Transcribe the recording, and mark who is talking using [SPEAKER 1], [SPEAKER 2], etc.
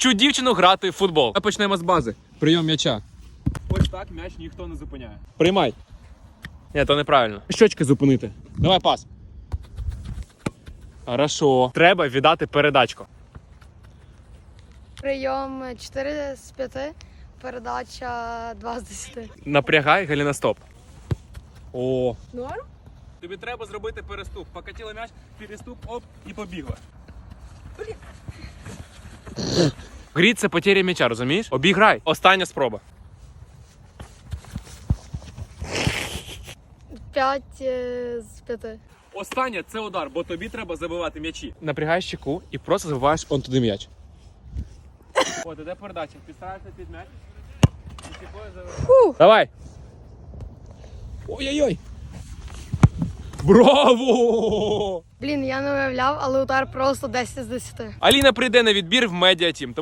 [SPEAKER 1] Вчу дівчину грати в футбол. Ми почнемо з бази. Прийом м'яча. Ось так м'яч ніхто не зупиняє. Приймай. Ні, то неправильно. Щочки зупинити. Давай пас. Хорошо. Треба віддати передачку.
[SPEAKER 2] Прийом 4 з 5, передача 2 з 10.
[SPEAKER 1] Напрягай, голеностоп. О.
[SPEAKER 2] Норм?
[SPEAKER 1] Тобі треба зробити переступ. Покатила м'яч, переступ, оп, і побігла. Грі – це потеря м'яча, розумієш? Обіграй. Остання спроба.
[SPEAKER 2] 5 з 5.
[SPEAKER 1] Останнє – це удар, бо тобі треба забивати м'ячі. Напрягаєш щеку і просто забиваєш он туди м'яч. От, іде передача. Підставишся під м'яч. І щекою забиваєш. Давай. Ой-ой-ой. Браво!
[SPEAKER 2] Блін, я не уявляв, але удар просто 10 з 10.
[SPEAKER 1] Аліна прийде на відбір в медіатім.